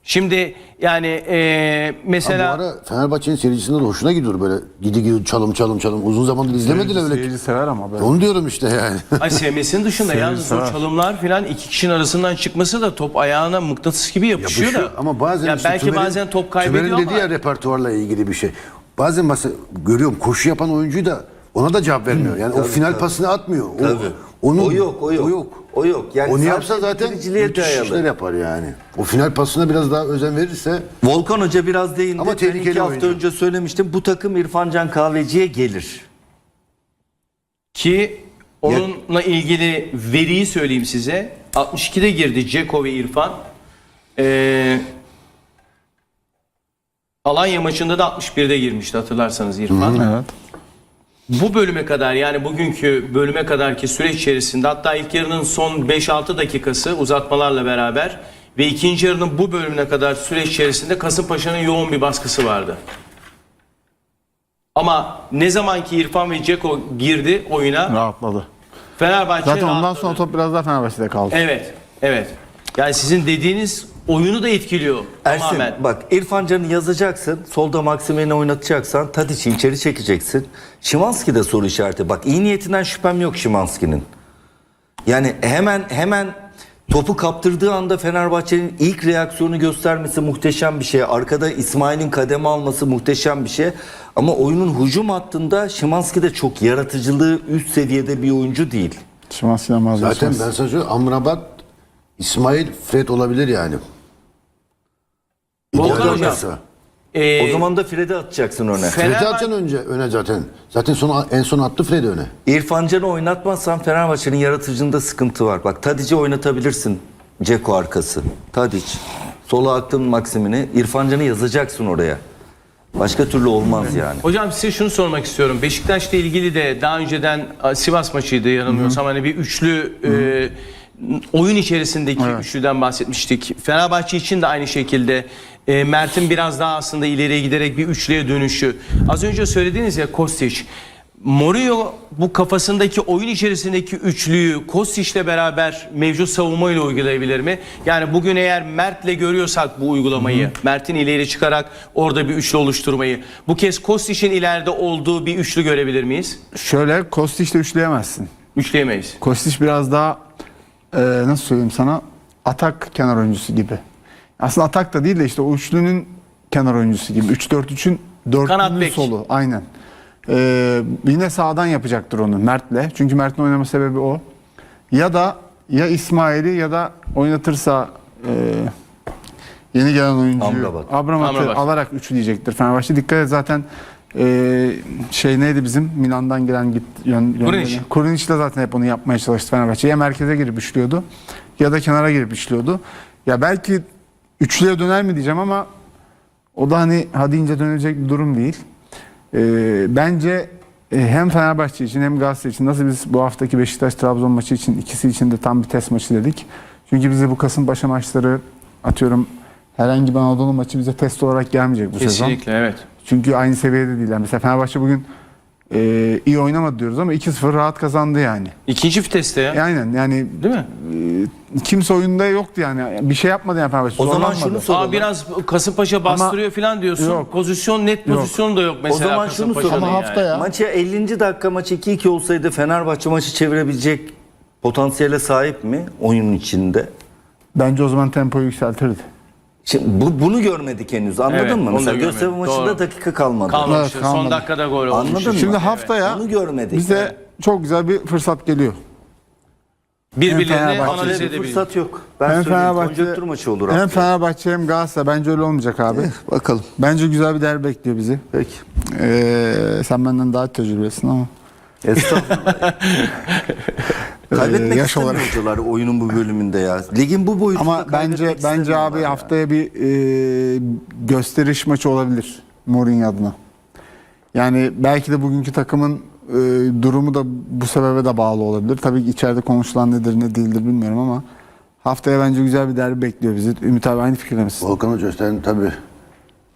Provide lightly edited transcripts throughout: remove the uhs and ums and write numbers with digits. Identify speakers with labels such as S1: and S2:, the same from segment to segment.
S1: Şimdi yani mesela...
S2: Bu ara Fenerbahçe'nin seyircisinde de hoşuna gidiyor böyle gidi çalım. Uzun zamandır izlemediler öyle.
S3: Seyirci sever ama böyle.
S2: Onu diyorum işte yani.
S1: Ay sevmesinin dışında yalnız o çalımlar falan iki kişinin arasından çıkması da top ayağına mıknatıs gibi yapışıyor da.
S2: Ama bazen
S1: ya
S2: işte
S1: belki bazen top kaybediyor
S2: Tümer'in
S1: ama.
S2: dediği ya repertuarla ilgili bir şey. Bazen mesela görüyorum koşu yapan oyuncuyu da ona da cevap vermiyor. Yani o final pasını atmıyor.
S4: O yok. Yani
S2: onu yapsa zaten
S4: bitiriciliğe
S2: müthiş
S4: dayalı.
S2: işler yapar yani. O final pasına biraz daha özen verirse.
S4: Volkan Hoca biraz değindi.
S2: Ama
S4: Ben
S2: tehlikeli
S4: 2 hafta
S2: oyuncu.
S4: önce söylemiştim. Bu takım İrfan Can Kahveci'ye gelir.
S1: Ki onunla ilgili veriyi söyleyeyim size. 62'de girdi Ceko ve İrfan. Alanya maçında da 61'de girmişti hatırlarsanız İrfan.
S3: Evet.
S1: Bu bölüme kadar yani bugünkü bölüme kadarki süreç içerisinde hatta ilk yarının son 5-6 dakikası uzatmalarla beraber ve ikinci yarının bu bölümüne kadar süreç içerisinde Kasımpaşa'nın yoğun bir baskısı vardı. Ama ne zamanki İrfan ve Ceko girdi oyuna
S3: Rahatladı.
S1: Fenerbahçe
S3: Zaten ondan
S1: rahatladı.
S3: sonra top biraz daha Fenerbahçe'de kaldı.
S1: Evet. Yani sizin dediğiniz oyunu da etkiliyor
S4: Ersin
S1: tamamen.
S4: bak İrfan Can'ı yazacaksın. Solda Maksimen'i oynatacaksan Tadic'i içeri çekeceksin. Szymański de soru işareti. Bak iyi niyetinden şüphem yok Szymański'nin. Yani hemen topu kaptırdığı anda Fenerbahçe'nin ilk reaksiyonu göstermesi muhteşem bir şey. Arkada İsmail'in kademe alması muhteşem bir şey. Ama oyunun hücum hattında Szymański de çok yaratıcılığı üst seviyede bir oyuncu değil.
S3: Szymański'den vazgeçmez.
S2: Zaten ben sana söyleyeyim Amrabat, İsmail, Fred olabilir yani.
S1: Volkan
S2: İdeal
S1: Hocam,
S2: olmazsa.
S4: O zaman da Fred'i atacaksın öne.
S2: Fred atacaksın öne zaten. Zaten en son attı Fred öne.
S4: İrfan Can'ı oynatmazsan Fenerbahçe'nin yaratıcılığında sıkıntı var. Bak Tadic'i oynatabilirsin. Ceko arkası. Tadic. Sola attın Maksimini. İrfan Can'ı yazacaksın oraya. Başka türlü olmaz yani.
S1: Hocam size şunu sormak istiyorum. Beşiktaş'la ilgili de daha önceden Sivas maçıydı yanılmıyorsam. Hani bir üçlü oyun içerisindeki üçlüden bahsetmiştik. Fenerbahçe için de aynı şekilde Mert'in biraz daha aslında ileriye giderek bir üçlüye dönüşü. Az önce söylediğiniz ya Kostić. Mourinho bu kafasındaki oyun içerisindeki üçlüyü Kostic'le beraber mevcut savunmayla uygulayabilir mi? Yani bugün eğer Mert'le görüyorsak bu uygulamayı, Mert'in ileri çıkarak orada bir üçlü oluşturmayı, bu kez Kostic'in ileride olduğu bir üçlü görebilir miyiz?
S3: Şöyle Kostić'le üçleyemezsin.
S1: Üçleyemeyiz.
S3: Kostić biraz daha nasıl söyleyeyim sana atak kenar oyuncusu gibi. Aslında atak da değil de işte o üçlünün kenar oyuncusu gibi. 3-4-3'ün
S1: Kanat
S3: dörtlünün
S1: bek.
S3: solu. Aynen. Yine sağdan yapacaktır onu Mert'le. Çünkü Mert'in oynama sebebi o. Ya İsmail'i ya da oynatırsa yeni gelen oyuncuyu Amrabat'ı alarak üçleyecektir Fenerbahçe. Dikkat et zaten neydi bizim Milan'dan gelen Kurunic de zaten hep onu yapmaya çalıştı Fenerbahçe. Ya merkeze girip üçlüyordu ya da kenara girip üçlüyordu. Ya belki üçlüye döner mi diyeceğim ama o da hani hadi ince dönecek bir durum değil. Bence hem Fenerbahçe için hem Galatasaray için nasıl biz bu haftaki Beşiktaş-Trabzon maçı için ikisi için de tam bir test maçı dedik. Çünkü bize bu Kasımpaşa maçları atıyorum herhangi bir Anadolu maçı bize test olarak gelmeyecek bu sezon.
S1: Kesinlikle evet.
S3: Çünkü aynı seviyede değiller. Mesela Fenerbahçe bugün iyi oynamadı diyoruz ama 2-0 rahat kazandı yani.
S1: İkinci viteste ya.
S3: Aynen yani
S1: Değil mi?
S3: kimse oyunda yoktu yani. Bir şey yapmadı yani Fenerbahçe.
S4: O zaman
S3: zorlanmadı.
S4: şunu soralım.
S1: Biraz Kasımpaşa bastırıyor falan diyorsun.
S3: Yok.
S1: Pozisyon net pozisyon da yok mesela.
S4: O zaman şunu
S1: Kasımpaşa'nın
S4: soralım.
S3: Ama haftaya
S4: Maçı 50. dakika maçı 2-2 olsaydı Fenerbahçe maçı çevirebilecek potansiyele sahip mi oyunun içinde?
S3: bence o zaman tempoyu yükseltirdi.
S4: Şimdi bunu görmedik henüz anladın
S1: Evet,
S4: mı?
S1: onu da
S4: Mesela
S1: görmedik.
S4: Göztepe maçında
S1: Doğru.
S4: dakika kalmadı.
S1: Kalmamıştı.
S3: Evet, kalmadı.
S1: Son dakikada gol olmuş.
S4: Anladın mı?
S3: Şimdi
S4: Evet.
S3: haftaya
S4: Onu görmedik.
S3: bize çok güzel bir fırsat geliyor.
S1: Birbirlerini
S3: Fenerbahçe
S1: analiz
S4: Öyle bir
S1: edebilir.
S4: fırsat yok. Ben
S3: Hem
S4: söyleyeyim
S3: Fenerbahçe
S4: konjonktür maçı olur.
S3: hem
S4: haftaya.
S3: Fenerbahçe hem Galatasaray bence öyle olmayacak abi.
S4: Bakalım.
S3: Bence güzel bir derbi bekliyor bizi.
S4: Peki.
S3: Sen benden daha tecrübelisin ama.
S4: Estağfurullah. Kaybetmek
S3: yaş
S4: istemiyor
S3: olarak.
S4: hocalar oyunun bu bölümünde ya. Ligin bu boyutunda
S3: Ama bence
S4: kaybetmek istemiyorlar
S3: abi
S4: ya.
S3: haftaya bir gösteriş maçı olabilir Mourinho adına. Yani belki de bugünkü takımın durumu da bu sebebe de bağlı olabilir. Tabii ki içeride konuşulan nedir ne değildir bilmiyorum ama haftaya bence güzel bir derbi bekliyor bizi. Ümit abi aynı fikirde misin?
S2: Volkan Hoca sen tabii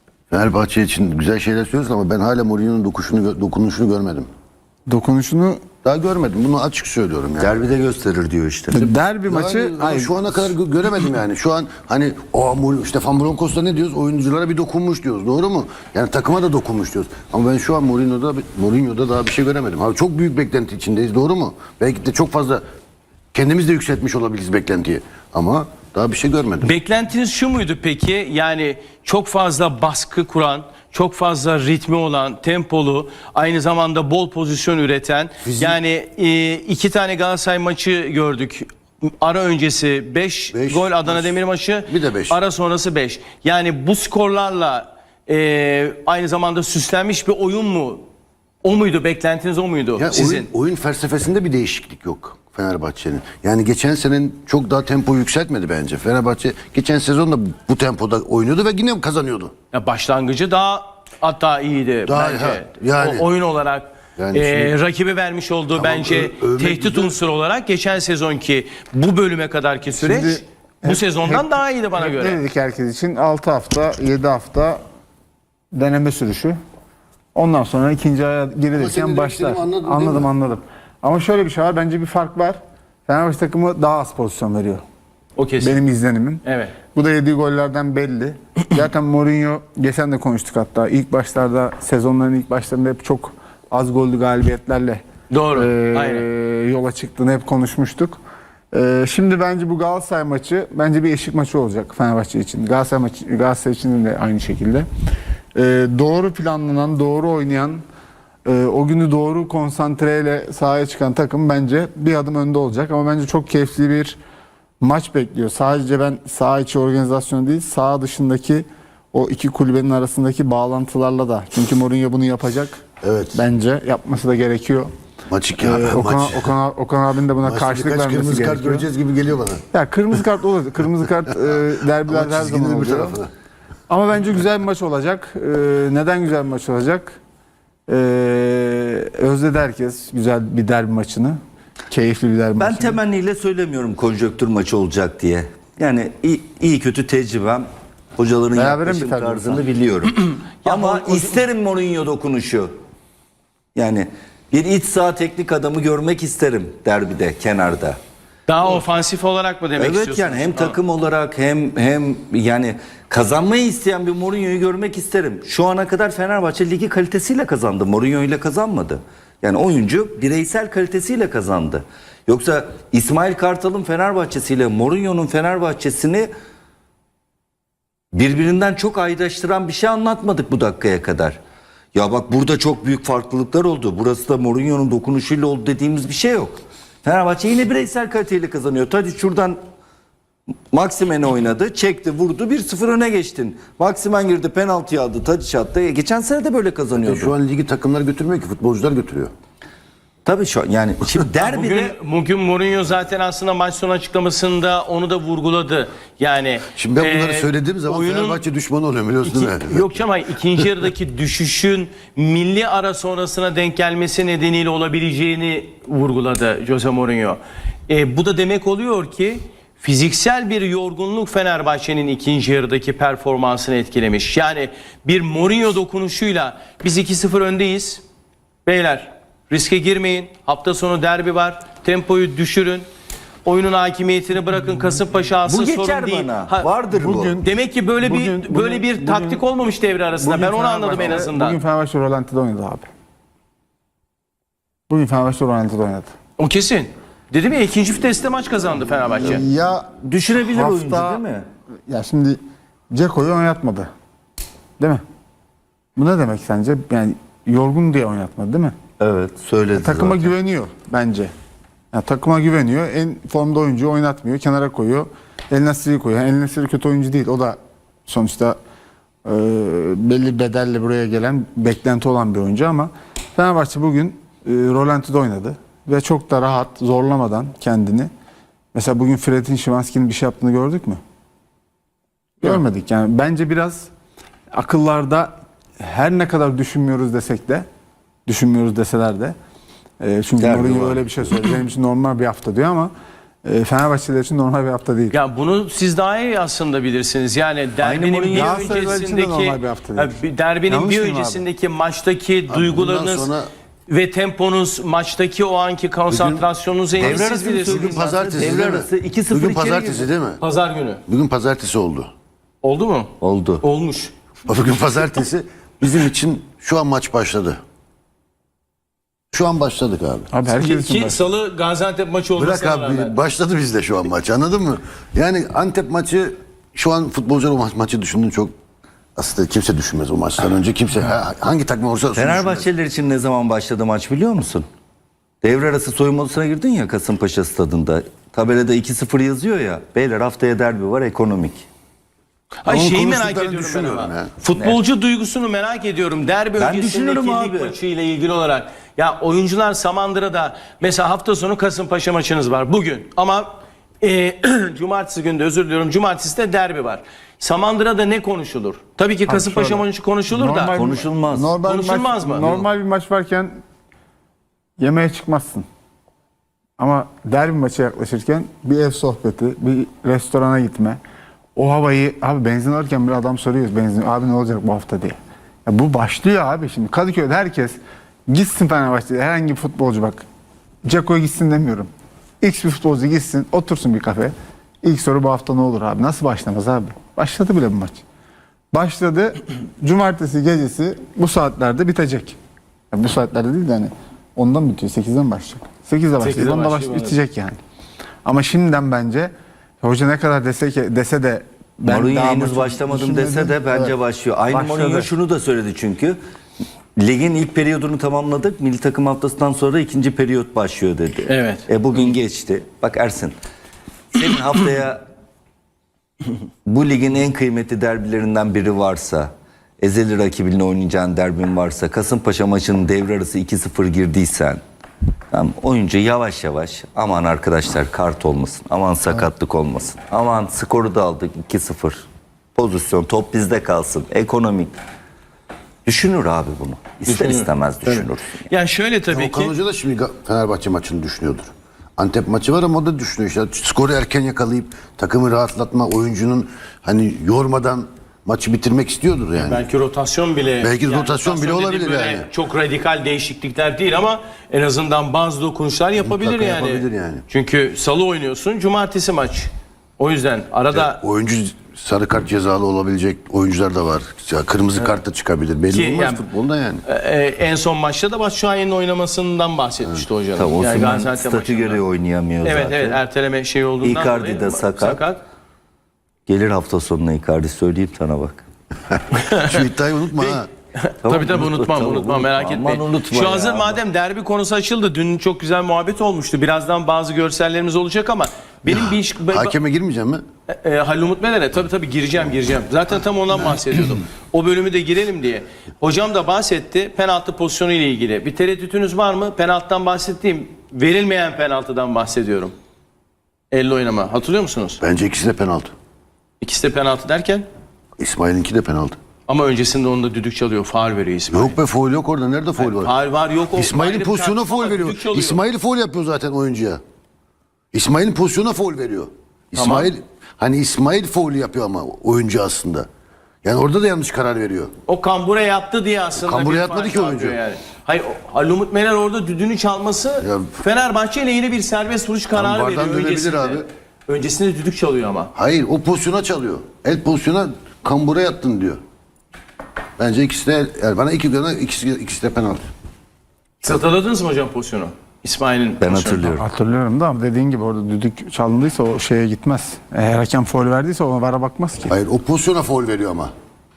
S2: Fenerbahçe için güzel şeyler söylüyorsun ama ben hala Mourinho'nun dokunuşunu görmedim.
S3: Dokunuşunu
S2: Daha görmedim. Bunu açık söylüyorum yani.
S4: Derbide gösterir diyor işte.
S3: Derbi maçı
S2: Yani
S3: hayır,
S2: şu ana kadar göremedim yani. Şu an hani Stefan Bronkos'ta ne diyoruz? Oyunculara bir dokunmuş diyoruz. Doğru mu? Yani takıma da dokunmuş diyoruz. Ama ben şu an Mourinho'da daha bir şey göremedim. Abi çok büyük beklenti içindeyiz. Doğru mu? Belki de çok fazla kendimiz de yükseltmiş olabiliriz beklentiyi. Ama daha bir şey görmedim.
S1: Beklentiniz şu muydu peki? Yani çok fazla baskı kuran, çok fazla ritmi olan, tempolu, aynı zamanda bol pozisyon üreten. Yani 2 tane Galatasaray maçı gördük. Ara öncesi 5
S2: Beş
S1: gol Adana
S2: maç.
S1: Demir maçı.
S2: Bir de beş.
S1: Ara sonrası 5. Yani bu skorlarla aynı zamanda süslenmiş bir oyun mu? O muydu? Beklentiniz o muydu
S2: Ya
S1: sizin?
S2: oyun felsefesinde bir değişiklik yok Fenerbahçe'nin. Yani geçen senenin çok daha tempoyu yükseltmedi bence. Fenerbahçe geçen sezon da bu tempoda oynuyordu ve yine kazanıyordu.
S1: Ya başlangıcı daha hatta iyiydi
S2: Daha-
S1: bence.
S2: ha, yani.
S1: O oyun olarak
S2: Yani şimdi-
S1: rakibi vermiş olduğu bence
S2: övmek
S1: tehdit
S2: güzel.
S1: unsuru olarak geçen sezonki bu bölüme kadarki süreç
S3: Şimdi
S1: bu sezondan daha iyiydi bana
S3: hep
S1: göre.
S3: ne dedik herkes için? 6 hafta, 7 hafta deneme sürüşü. Ondan sonra ikinci aya
S2: senin
S3: girilirken
S2: demek
S3: başlar.
S2: istediğini anladın değil mi?
S3: Anladım. Ama şöyle bir şey var. Bence bir fark var. Fenerbahçe takımı daha az pozisyon veriyor.
S1: O kesin.
S3: Benim izlenimim.
S1: Evet.
S3: Bu da yediği gollerden belli. Zaten Mourinho, geçen de konuştuk hatta. İlk başlarda, sezonların ilk başlarında hep çok az gollü galibiyetlerle
S1: Doğru, aynen.
S3: yola çıktığını hep konuşmuştuk. Şimdi bence bu Galatasaray maçı bence bir eşik maçı olacak Fenerbahçe için. Galatasaray için de aynı şekilde. Doğru planlanan, doğru oynayan, o günü doğru konsantreyle sahaya çıkan takım bence bir adım önde olacak. Ama bence çok keyifli bir maç bekliyor. Sadece ben saha içi organizasyonu değil, saha dışındaki o iki kulübenin arasındaki bağlantılarla da. Çünkü Mourinho bunu yapacak.
S2: Evet.
S3: Bence yapması da gerekiyor.
S2: Maçı
S3: Okan abinin de buna
S2: Maçta
S3: karşılık
S2: birkaç
S3: vermesi
S2: kırmızı kart
S3: gerekiyor.
S2: göreceğiz gibi geliyor bana.
S3: Ya kırmızı kart olur. Kırmızı kart derbilerde
S2: Ama
S3: her
S2: çizginin
S3: zaman
S2: öbür
S3: oluyor.
S2: tarafına.
S3: Ama bence güzel bir maç olacak. Neden güzel bir maç olacak? Özledi herkes güzel bir derbi maçını. Keyifli bir derbi
S4: Ben
S3: maçını.
S4: temenniyle söylemiyorum konjonktür maçı olacak diye. Yani iyi kötü tecrübem, hocaların
S3: Berabere mi
S4: yaklaşım
S3: biter
S4: tarzını
S3: diyorsun?
S4: biliyorum. Ama isterim Mourinho dokunuşu. Yani bir iç saha teknik adamı görmek isterim derbide, kenarda.
S1: Daha ofansif olarak mı demek
S4: Evet
S1: istiyorsunuz?
S4: yani hem takım olarak hem yani kazanmayı isteyen bir Mourinho'yu görmek isterim. Şu ana kadar Fenerbahçe ligi kalitesiyle kazandı. Mourinho ile kazanmadı. Yani oyuncu bireysel kalitesiyle kazandı. Yoksa İsmail Kartal'ın Fenerbahçesiyle Mourinho'nun Fenerbahçesini birbirinden çok ayrıştıran bir şey anlatmadık bu dakikaya kadar. Ya bak burada çok büyük farklılıklar oldu. Burası da Mourinho'nun dokunuşuyla oldu dediğimiz bir şey yok. Fenerbahçe yine bireysel kaliteyle kazanıyor. Hadi şuradan Maximen'e oynadı, çekti, vurdu, 1-0 öne geçtin. Maximen girdi, penaltı aldı, Tadiç attı. Geçen sene de böyle kazanıyordu.
S2: Şu an ligi takımlar götürmüyor ki, futbolcular götürüyor.
S4: Tabii şu an yani şimdi derbide
S1: Bugün Mourinho zaten aslında maç sonu açıklamasında onu da vurguladı. Yani
S2: Şimdi ben bunları söylediğim zaman Fenerbahçe düşmanı oluyor biliyorsun değil mi?
S1: Yok ama ikinci yarıdaki düşüşün milli ara sonrasına denk gelmesi nedeniyle olabileceğini vurguladı Jose Mourinho. Bu da demek oluyor ki fiziksel bir yorgunluk Fenerbahçe'nin ikinci yarıdaki performansını etkilemiş. Yani bir Mourinho dokunuşuyla biz 2-0 öndeyiz. Beyler riske girmeyin. Hafta sonu derbi var. Tempoyu düşürün. Oyunun hakimiyetini bırakın. Kasımpaşa alsın,
S4: bu geçer
S1: sorun değil.
S4: bana. Vardır
S3: bugün-
S4: bu.
S1: Demek ki böyle
S3: Bugün-
S1: bir taktik olmamış devre arasında. Ben onu anladım en azından.
S3: Bugün Fenerbahçe Rolanti'de oynadı abi. Bugün Fenerbahçe Rolanti'de oynadı.
S1: O kesin. Dedim ya ikinci viteste maç kazandı Fenerbahçe.
S3: Ya
S4: Düşünebilir
S3: hafta-
S4: oyuncu değil mi?
S3: Ya şimdi Ceko'yu oynatmadı. Değil mi? Bu ne demek sence? Yani yorgun diye oynatmadı değil mi?
S4: Evet söyledi
S3: Takıma
S4: zaten.
S3: güveniyor bence. Yani takıma güveniyor. En formda oyuncuyu oynatmıyor. Kenara koyuyor. El Nesri'yi koyuyor. El Nesri kötü oyuncu değil. O da sonuçta belli bedelle buraya gelen, beklenti olan bir oyuncu ama Fenerbahçe bugün Rolanti'de oynadı. Ve çok da rahat, zorlamadan kendini. Mesela bugün Fred'in Szymański'nin bir şey yaptığını gördük mü? Görmedik. Yani bence biraz akıllarda her ne kadar düşünmüyoruz desek de, düşünmüyoruz deseler de çünkü
S4: Derbi
S3: Mourinho
S4: var.
S3: öyle bir şey söyledi. Benim için normal bir hafta diyor ama Fenerbahçeliler için normal bir hafta değil.
S1: Ya bunu siz daha iyi aslında bilirsiniz. Yani derbinin
S4: Mourinho
S1: bir
S3: Galatasaraylılar için de
S1: öncesindeki
S3: normal bir hafta değil.
S1: derbinin
S3: Yanlış
S1: bir
S3: mıyım abi?
S1: öncesindeki maçtaki
S2: Bundan
S1: duygularınız
S2: sonra
S1: ve temponuz, maçtaki o anki konsantrasyonunuzu en iyi
S4: Devre
S1: siz
S4: arasını
S1: bilirsiniz.
S4: söyleyeyim.
S2: Bugün pazartesi
S4: Devre
S2: değil mi?
S4: arası 2-0
S2: Bugün
S4: içeri
S2: pazartesi
S4: girdi.
S2: değil mi?
S1: Pazar günü.
S2: Bugün pazartesi oldu.
S1: Oldu mu?
S4: Oldu.
S1: Olmuş.
S2: Bugün pazartesi bizim için şu an maç başladı. Şu an başladık abi.
S3: Abi herkes için
S1: Ki
S3: var.
S1: Salı Gaziantep maçı
S2: Bırak
S1: olmasına
S2: abi
S1: rağmen.
S2: başladı bizde şu an maç, anladın mı? Yani Antep maçı şu an futbolcular o maçı düşündüğün çok aslında kimse düşünmez o maçtan önce, kimse hangi takım olursa olsun düşünmez.
S4: Fenerbahçeliler için ne zaman başladı maç biliyor musun? Devre arası soyunma odasına girdin ya Kasımpaşa stadında. Tabelada 2-0 yazıyor ya. Beyler haftaya derbi var, ekonomik.
S1: Hayır,
S2: Onun
S1: şeyi merak
S2: konuştuklarını
S1: ediyorum ben
S2: düşünüyorum
S1: ama.
S2: ya.
S1: Futbolcu duygusunu merak ediyorum. Derbi
S4: Ben
S1: öncesindeki
S4: düşünürüm
S1: lig
S4: abi.
S1: maçıyla ilgili olarak. Ya oyuncular Samandıra'da mesela hafta sonu Kasımpaşa maçınız var bugün. Ama cumartesi günde, özür diliyorum, cumartesi de derbi var. Samandıra'da ne konuşulur? Tabii ki Kasımpaşa
S3: şöyle.
S1: maçı konuşulur da.
S4: Konuşulmaz.
S3: Normal bir
S1: Konuşulmaz
S3: maç,
S1: mı?
S3: Normal bir maç varken yemeğe çıkmazsın. Ama derbi maçı yaklaşırken bir ev sohbeti, bir restorana gitme. O havayı, abi benzin alırken bir adam soruyoruz benzin, abi ne olacak bu hafta diye. Ya bu başlıyor abi şimdi. Kadıköy'de herkes gitsin Fenerbahçe'de, herhangi bir futbolcu bak. Ceko'ya gitsin demiyorum. X bir futbolcu gitsin, otursun bir kafe. İlk soru bu hafta ne olur abi? Nasıl başlamaz abi? Başladı bile bu maç. Başladı. Cumartesi gecesi bu saatlerde bitecek. Ya bu saatlerde değil de hani ondan bitiyor. 8'den başlayacak. 8'de başlayacak.
S1: 8'de
S3: Onda
S1: başlıyor,
S3: bitecek yani. Ama şimdiden bence hoca ne kadar dese de ben
S4: Mourinho
S3: daha
S4: henüz
S3: maçı
S4: başlamadım dese de
S3: düşünmedim.
S4: bence
S3: Evet.
S4: başlıyor. Aynı
S3: Başladı.
S4: Mourinho şunu da söyledi çünkü. Ligin ilk periyodunu tamamladık. Milli takım haftasından sonra ikinci periyot başlıyor dedi.
S1: Evet.
S4: Bugün geçti. Bak Ersin. Senin haftaya bu ligin en kıymetli derbilerinden biri varsa, ezeli rakibinle oynayacağın derbin varsa, Kasımpaşa maçının devre arası 2-0 girdiysen, tamam, oyuncu yavaş yavaş aman arkadaşlar kart olmasın, aman sakatlık olmasın, aman skoru da aldık 2-0, pozisyon top bizde kalsın, ekonomik. Düşünür abi bunu. İster
S1: Düşünür.
S4: istemez düşünür.
S1: Yani şöyle tabii
S2: Okan
S1: ki.
S2: Hoca da şimdi Fenerbahçe maçını düşünüyordur. Antep maçı var ama o da düşünüyor işte. Skoru erken yakalayıp takımı rahatlatma, oyuncunun hani yormadan maçı bitirmek istiyordur yani.
S1: Belki rotasyon bile.
S2: Belki rotasyon bile
S1: dediğim
S2: olabilir
S1: böyle
S2: yani.
S1: Çok radikal değişiklikler değil ama en azından bazı dokunuşlar yapabilir
S2: Mutlaka
S1: yani.
S2: yapabilir yani.
S1: Çünkü salı oynuyorsun, cumartesi maç. O yüzden arada
S2: Oyuncu sarı kart cezalı olabilecek oyuncular da var. Ya kırmızı kart da çıkabilir. Belli
S1: Ki
S2: olmaz
S1: yani-
S2: futbolda yani.
S1: en son maçta da Batshuayi'nin oynamasından bahsetmişti hocam.
S4: Tabii Osimhen
S1: Gaziantep
S4: statü
S1: maçında.
S4: göre oynayamıyor
S1: Evet
S4: zaten.
S1: evet, erteleme şey olduğundan
S4: Icardi
S1: dolayı
S4: de sakat. Gelir hafta sonuna Icardi, söyleyeyim sana bak.
S2: Şu iddiayı unutma ha.
S1: Tabii tabii unutmam
S4: unutma,
S1: merak
S4: aman
S1: etmeyin.
S4: unutma
S1: Şu
S4: ya.
S1: hazır madem derbi konusu açıldı. Dün çok güzel muhabbet olmuştu. Birazdan bazı görsellerimiz olacak ama benim bir iş...
S2: Hakeme girmeyeceğim mi?
S1: Halil Umut Meler'e tabii gireceğim. Zaten tam ondan bahsediyordum. O bölümü de girelim diye. Hocam da bahsetti penaltı pozisyonu ile ilgili. Bir tereddütünüz var mı? Penaltıdan bahsettiğim verilmeyen penaltıdan bahsediyorum. Elle oynama. Hatırlıyor musunuz?
S2: Bence ikisi de penaltı.
S1: İkisi de penaltı derken
S2: İsmail'inki de penaltı.
S1: ama öncesinde onda düdük çalıyor. Faul veriyor İsmail.
S2: Yok be, faul yok orada. Nerede faul var?
S1: Faul var yok. O
S2: İsmail'in
S1: ayrı bir
S2: pozisyonuna
S1: tartışma
S2: faul
S1: var,
S2: veriyor.
S1: düdük çalıyor.
S2: İsmail faul yapıyor zaten oyuncuya. İsmail'in pozisyonuna faul veriyor. İsmail faul yapıyor ama oyuncu aslında. Yani orada da yanlış karar veriyor.
S1: O kambura yattı diye aslında.
S2: Kambura
S1: bir
S2: yatmadı
S1: faul
S2: ki oyuncu.
S1: yapıyor Yani. Hayır, Halil Umut Meler orada düdüğünü çalması
S2: Ya-
S1: Fenerbahçe lehine bir serbest vuruş kararı
S2: vardan
S1: veriyor
S2: dönebilir
S1: öncesinde.
S2: abi.
S1: Öncesinde düdük çalıyor ama.
S2: Hayır, o pozisyona çalıyor. El pozisyona kambura yattın diyor. Bence ikisi de bana ikisi de penaltı.
S1: Siz hatırladınız mı hocam pozisyonu? İsmail'in
S4: Ben
S1: pozisyonu.
S4: hatırlıyorum.
S3: Hatırlıyorum da ama dediğin gibi orada düdük çalındıysa o şeye gitmez. Eğer hakem faul verdiyse ona vara bakmaz ki.
S2: Hayır, o pozisyona faul veriyor ama.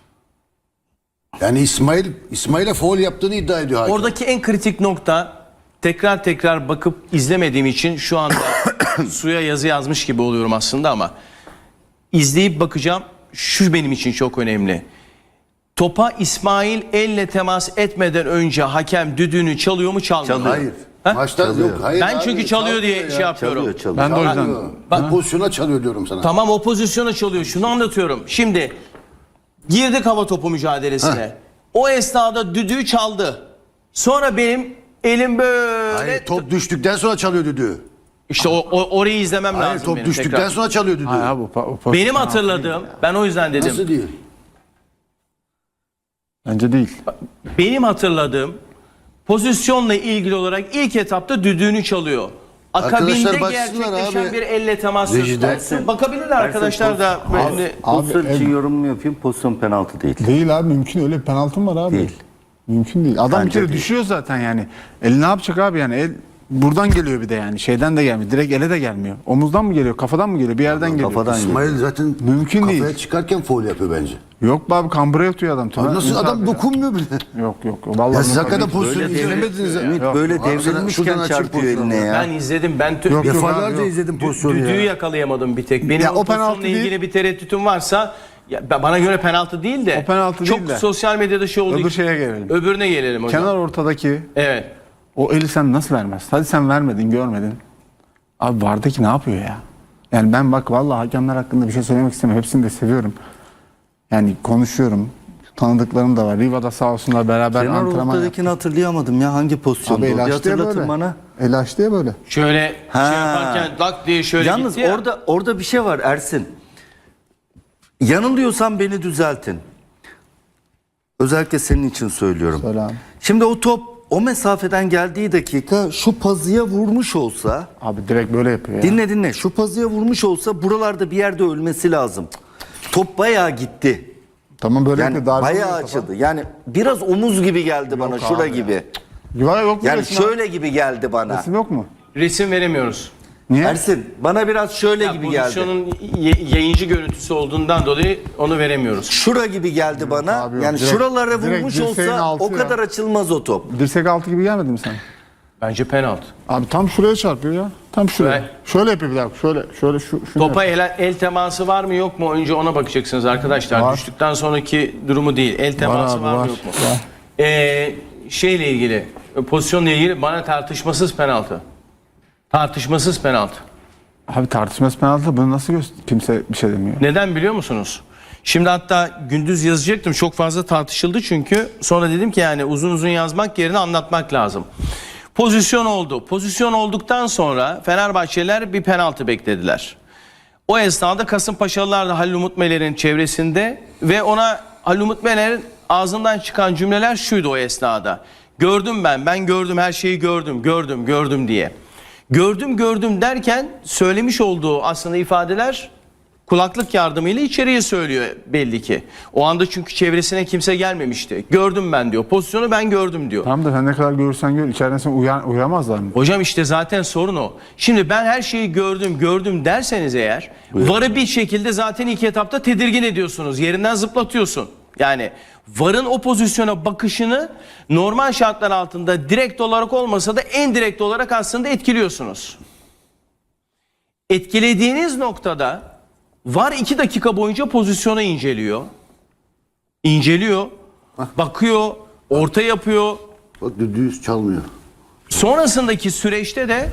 S2: Yani İsmail'e faul yaptığını iddia ediyor hakem.
S1: Oradaki en kritik nokta, tekrar bakıp izlemediğim için şu anda suya yazı yazmış gibi oluyorum aslında ama izleyip bakacağım. Şu benim için çok önemli. Topa İsmail elle temas etmeden önce hakem düdüğünü çalıyor mu çalmıyor mu?
S2: Hayır.
S1: Ha?
S2: Maçta yok. Hayır.
S1: Ben
S2: abi,
S1: çünkü çalıyor diye
S2: ya.
S1: şey yapıyorum.
S4: Çalıyor.
S3: Ben de o yüzden
S2: Çalıyor. Bu pozisyona çalıyor diyorum sana.
S1: Tamam, o pozisyona çalıyor. Şunu anlatıyorum. Şimdi girdik hava topu mücadelesine. O esnada düdüğü çaldı. Sonra benim elim böyle...
S2: Hayır, top düştükten sonra çalıyor düdüğü.
S1: İşte orayı izlemem
S2: Hayır,
S1: lazım
S2: top
S1: benim
S2: düştükten
S1: tekrar.
S2: sonra çalıyor düdüğü.
S3: Hayır abi, o
S1: Benim hatırladığım, ben o yüzden dedim.
S2: Nasıl değil?
S3: bence değil.
S1: Benim hatırladığım pozisyonla ilgili olarak ilk etapta düdüğünü çalıyor. Akabinde
S2: Arkadaşlar baksınlar
S1: gerçekleşen
S2: abi.
S1: bir elle temas söz
S2: Rejide.
S1: konusu. Bakabilirler arkadaşlar da. Böyle-
S4: Pozisyon
S3: Abi,
S4: için yorumumu yapayım. Pozisyon penaltı değil.
S3: Değil abi, mümkün, öyle bir penaltı mı var abi?
S4: Değil.
S3: Mümkün değil. Adam bir
S4: Bence
S3: kere
S4: değil.
S3: düşüyor zaten yani. El ne yapacak abi yani? El buradan geliyor bir de yani. Şeyden de gelmiyor. Direkt ele de gelmiyor. Omuzdan mı geliyor? Kafadan mı geliyor? Bir yerden geliyor.
S4: Kafadan geliyor.
S2: İsmail zaten
S3: Mümkün
S2: kafaya
S3: değil.
S2: çıkarken faul yapıyor bence.
S3: Yok be abi, kambura yatıyor adam.
S2: Abi nasıl
S3: Ümit
S2: adam
S3: abi ya.
S2: dokunmuyor bile.
S3: Yok. Vallahi
S2: Ya siz
S3: Ümit abi.
S2: hakikaten pozisyonu
S4: Böyle
S2: izlemediniz ya.
S4: Ümit
S3: Yok.
S4: böyle
S2: Abi sana
S4: devrilmişken
S2: şuradan açayım
S4: çarpıyor
S2: pozisyonu.
S4: eline ya.
S1: Ben izledim. Ben
S3: Yok, yok.
S2: Defalarca
S3: yok.
S2: izledim pozisyonu
S1: düdüğü
S2: ya.
S1: yakalayamadım bir tek. Benim
S3: Ya
S1: o
S3: o penaltı
S1: pozisyonla ilgili
S3: değil.
S1: bir tereddütüm varsa bana göre penaltı değil de
S3: O penaltı
S1: çok
S3: değil de.
S1: sosyal medyada şey oldu.
S3: Öbür şeye gelelim.
S1: Öbürüne gelelim hocam.
S3: Kenar ortadaki
S1: Evet.
S3: o eli sen nasıl vermez? Hadi sen vermedin, görmedin. Abi vardaki ne yapıyor ya? Yani ben bak vallahi hakemler hakkında bir şey söylemek istemiyorum. Hepsini de seviyorum. Yani konuşuyorum. Tanıdıklarım da var. Riva'da sağ olsunlar, beraber
S4: Kenar
S3: antrenman yaptık.
S4: ortadakini hatırlayamadım ya. Hangi pozisyonda?
S3: Abi
S4: Bir
S3: el açtı ya
S4: hatırlatın
S3: böyle.
S4: bana.
S3: El açtı ya böyle.
S1: Şöyle
S4: Ha.
S1: şey yaparken lak diye şöyle
S4: Yalnız
S1: gitti ya.
S4: orada bir şey var Ersin. Yanılıyorsam beni düzeltin. Özellikle senin için söylüyorum.
S3: Söyle abi.
S4: Şimdi o top o mesafeden geldiği dakika şu pazıya vurmuş olsa,
S3: Abi direkt böyle yapıyor ya.
S4: dinle şu pazıya vurmuş olsa buralarda bir yerde ölmesi lazım. Top bayağı gitti.
S3: Tamam böyle
S4: Yani
S3: yapıyor. Darbe
S4: bayağı
S3: oluyor
S4: açıldı. Yani biraz omuz gibi geldi bana,
S3: Yok
S4: şura
S3: abi
S4: gibi.
S3: Ya yok mu
S4: Yani
S3: resim abi?
S4: şöyle gibi geldi bana.
S3: Resim yok mu?
S1: Resim veremiyoruz.
S3: Niye?
S4: Ersin bana biraz şöyle gibi geldi.
S1: Pozisyonun yayıncı görüntüsü olduğundan dolayı onu veremiyoruz.
S4: Şura gibi geldi bana.
S3: abi yok.
S4: Yani
S3: Direkt-
S4: şuralara
S3: direkt
S4: vurmuş
S3: dirseğin
S4: olsa
S3: altı
S4: o
S3: ya.
S4: kadar açılmaz o top.
S3: Dirsek altı gibi gelmedi mi sana?
S1: Bence penaltı.
S3: Abi tam şuraya çarpıyor ya. Tam şuraya.
S1: Evet.
S3: Şöyle yapıyor bir dakika. Şöyle şunu
S1: Topa
S3: yap.
S1: el teması var mı yok mu? Önce ona bakacaksınız arkadaşlar.
S3: Var.
S1: Düştükten sonraki durumu değil. El teması
S3: abi,
S1: var,
S3: var.
S1: mı yok mu?
S3: Var.
S1: Şeyle ilgili, pozisyonla ilgili bana tartışmasız penaltı. Tartışmasız penaltı.
S3: Abi tartışması penaltı, bunu nasıl kimse bir şey demiyor.
S1: Neden biliyor musunuz? Şimdi hatta gündüz yazacaktım. Çok fazla tartışıldı çünkü. Sonra dedim ki yani uzun uzun yazmak yerine anlatmak lazım. Pozisyon oldu. Pozisyon olduktan sonra Fenerbahçeliler bir penaltı beklediler. O esnada Kasımpaşalılar da Halil Umut Meler'in çevresinde ve ona Halil Umut Meler'in ağzından çıkan cümleler şuydu o esnada. Gördüm ben gördüm, her şeyi gördüm diye. Gördüm derken söylemiş olduğu aslında ifadeler kulaklık yardımıyla içeriye söylüyor belli ki. O anda çünkü çevresine kimse gelmemişti. Gördüm ben diyor. Pozisyonu ben gördüm diyor.
S3: Tamam da sen ne kadar görürsen gör, içeriden sen uyamazlar mı?
S1: Hocam işte zaten sorun o. Şimdi ben her şeyi gördüm derseniz eğer VAR'ı bir şekilde zaten ilk etapta tedirgin ediyorsunuz. Yerinden zıplatıyorsun. Yani VAR'ın o pozisyona bakışını normal şartlar altında direkt olarak olmasa da en direkt olarak aslında etkiliyorsunuz. Etkilediğiniz noktada VAR 2 dakika boyunca pozisyonu inceliyor. İnceliyor, bakıyor, orta yapıyor.
S2: Bak düdüğü çalmıyor.
S1: Sonrasındaki süreçte de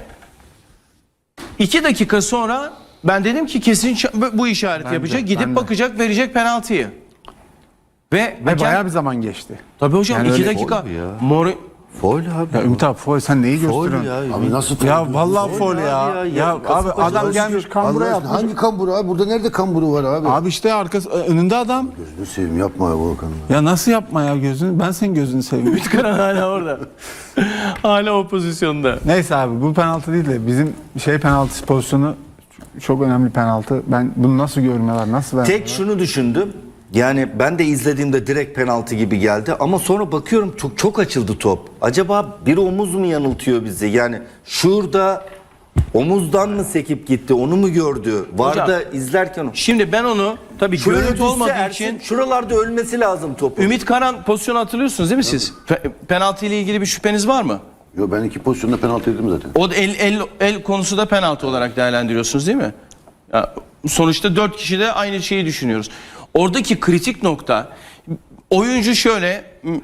S1: 2 dakika sonra ben dedim ki kesin bu işareti yapacak.
S3: ben
S1: Gidip
S3: de.
S1: bakacak, verecek penaltıyı. Ve
S3: Ve bayağı bir zaman geçti.
S1: tabii hocam
S3: Yani
S1: 2
S3: öyle
S1: dakika.
S4: oldu ya.
S1: Faul
S4: Foul abi.
S3: Ya Ümit abi foul, sen neyi
S4: Foul
S3: gösteriyorsun?
S4: ya.
S2: Abi nasıl
S3: Ya vallahi foul
S4: abi
S3: ya.
S4: ya.
S3: Ya abi
S4: Kasımpaşa
S3: adam
S4: nasıl
S3: gelmiş kambura
S2: Allah aşkına,
S3: yapmış.
S2: hangi kamburu abi? Burada nerede kamburu var abi?
S3: Abi işte arkası önünde adam.
S2: Gözünü seveyim yapma ya Volkan.
S3: Ya nasıl yapma ya gözünü? Ben senin gözünü seveyim.
S1: Karan hala orada. Hala o pozisyonda.
S3: Neyse abi bu penaltı değil de bizim penaltı pozisyonu çok önemli penaltı. Ben bunu nasıl görmüyorlar? Nasıl vermiyorlar?
S4: Tek şunu düşündüm. Yani ben de izlediğimde direkt penaltı gibi geldi ama sonra bakıyorum çok açıldı top. Acaba bir omuz mu yanıltıyor bizi? Yani şurada omuzdan mı sekip gitti? Onu mu gördü? Varda izlerken
S1: Şimdi ben onu tabii
S4: şuraya
S1: görüntü
S4: düşse
S1: olmadığı
S4: Ersin,
S1: için
S4: şuralarda ölmesi lazım topu.
S1: Ümit Karan pozisyonu hatırlıyorsunuz değil mi siz? Penaltı ile ilgili bir şüpheniz var mı?
S2: Yo ben iki pozisyonda penaltı yedim zaten.
S1: O da el konusu da penaltı olarak değerlendiriyorsunuz değil mi? Ya, sonuçta 4 kişi de aynı şeyi düşünüyoruz. Oradaki kritik nokta oyuncu şöyle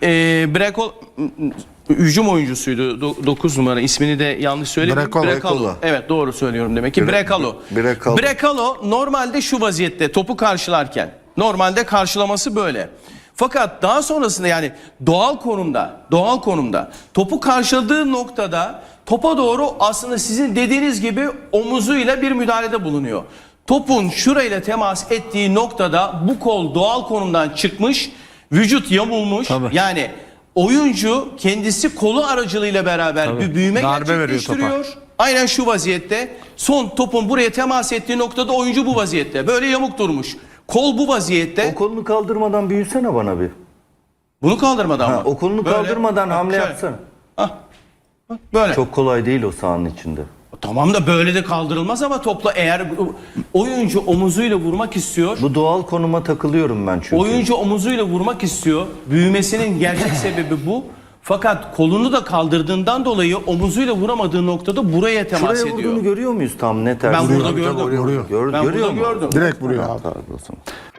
S1: hücum oyuncusuydu 9 numara, ismini de yanlış söylemedim.
S3: Brekalo.
S1: Evet doğru söylüyorum demek ki. Brekalo. Brekalo normalde şu vaziyette topu karşılarken normalde karşılaması böyle. Fakat daha sonrasında yani doğal konumda topu karşıladığı noktada topa doğru aslında sizin dediğiniz gibi omuzuyla bir müdahalede bulunuyor. Topun şurayla temas ettiği noktada bu kol doğal konumdan çıkmış, vücut yamulmuş.
S3: Tabii.
S1: Yani oyuncu kendisi kolu aracılığıyla beraber bir büyüme
S3: Darbe veriyor
S1: gerçekleştiriyor. Aynen şu vaziyette. Son topun buraya temas ettiği noktada oyuncu bu vaziyette. Böyle yamuk durmuş. Kol bu vaziyette.
S4: O kolunu kaldırmadan büyüsene bana bir.
S1: Bunu kaldırmadan mı?
S4: O kolunu
S1: Böyle.
S4: kaldırmadan
S1: Bak,
S4: hamle
S1: şöyle.
S4: yapsana.
S1: Hah. Bak, böyle.
S4: Çok kolay değil o sahanın içinde.
S1: Tamam da böyle de kaldırılmaz ama topla eğer oyuncu omuzuyla vurmak istiyor.
S4: Bu doğal konuma takılıyorum ben çünkü.
S1: Oyuncu omuzuyla vurmak istiyor. Büyümesinin gerçek sebebi bu. Fakat kolunu da kaldırdığından dolayı omuzuyla vuramadığı noktada buraya temas
S4: Şuraya
S1: ediyor.
S4: vurduğunu görüyor muyuz tam net?
S1: Ben burada
S2: Tabii,
S1: gördüm.
S2: vuruyor.
S3: Vuruyor.
S4: Gör,
S1: Ben
S4: görüyor
S1: burada
S4: mu?
S1: gördüm.
S3: Direkt vuruyor abi.
S4: Tabii o zaman.